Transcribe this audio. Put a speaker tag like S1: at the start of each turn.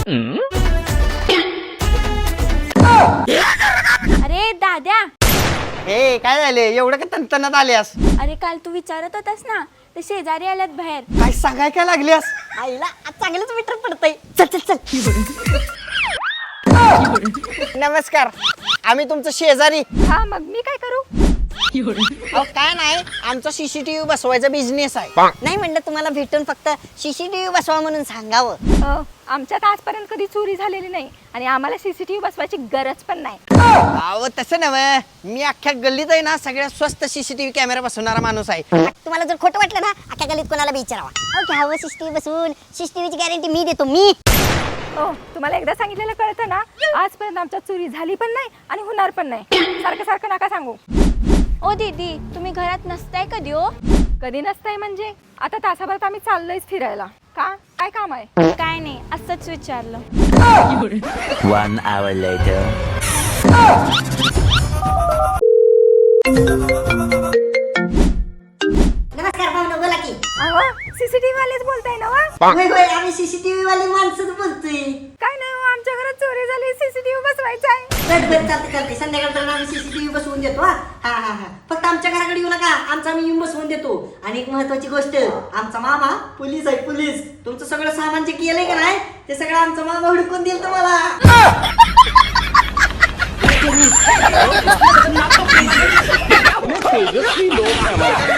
S1: अरे दाद्या,
S2: हे काय झाले एवढं का तणतणात आल्यास?
S1: अरे काल तू विचारत होतास ना ते शेजारी आल्यात बाहेर.
S2: काय सांगाय काय लागल्यास?
S3: आईला आज चांगलंच मीटर पडतंय. चल चल चल.
S2: नमस्कार, आम्ही तुमचं शेजारी.
S1: हा, मग मी काय करू?
S2: अहो काय नाही, आमचा सीसीटीव्ही बसवायचा बिझनेस आहे.
S3: नाही म्हणलं तुम्हाला भेटून फक्त सीसीटीव्ही बसवा म्हणून सांगावं.
S1: आमच्यात आजपर्यंत कधी चोरी झालेली नाही आणि आम्हाला सीसीटीव्ही बसवायची गरज पण नाही.
S2: अहो तसं नव्हे, मी अख्ख्या गल्लीत आहे ना सगळ्यात स्वस्त सीसीटीव्ही कॅमेरा बसवणारा माणूस आहे.
S3: तुम्हाला जर खोटं वाटलं ना अख्ख्या गलीत कोणाला बी विचारावा. घ्यावं सीसीटीव्ही बसवून, सीसीटीव्हीची गॅरंटी मी देतो मी.
S1: तुम्हाला एकदा सांगितलेलं कळतं ना, आजपर्यंत आमच्यात चोरी झाली पण नाही आणि होणार पण नाही. सारखं सारखं नका सांगू. ओ दीदी, तुम्ही घरात नसताय कधी? हो कधी नसताय म्हणजे आता तासाभरात आम्ही चाललोयच फिरायला. का, काय काम आहे? काय नाही, असंच विचारलं.
S4: 1 hour later.
S3: नमस्कार पाहुणं, बोला की.
S1: सीसीटीव्ही वालेच बोलताय ना?
S3: होय होय, आम्ही सीसीटीव्ही वाली माणसं बोलतोय.
S1: काय नाही, आमच्या घरात चोरी झाली, सीसीटीव्ही बसवायचा आहे.
S3: बरं चालते चालते, संध्याकाळपर्यंत आम्ही सीसीटीव्ही बसवून देतो. हा, फक्त आमच्या घराकडे येऊ नका, आमचा आम्ही येऊन बसवून देतो. आणि एक महत्वाची गोष्ट, आमचा मामा पोलीस आहे, पोलीस. तुमचं सगळं सामान जे केलंय का नाही ते सगळं आमचा मामा हुडकून देईल तुम्हाला.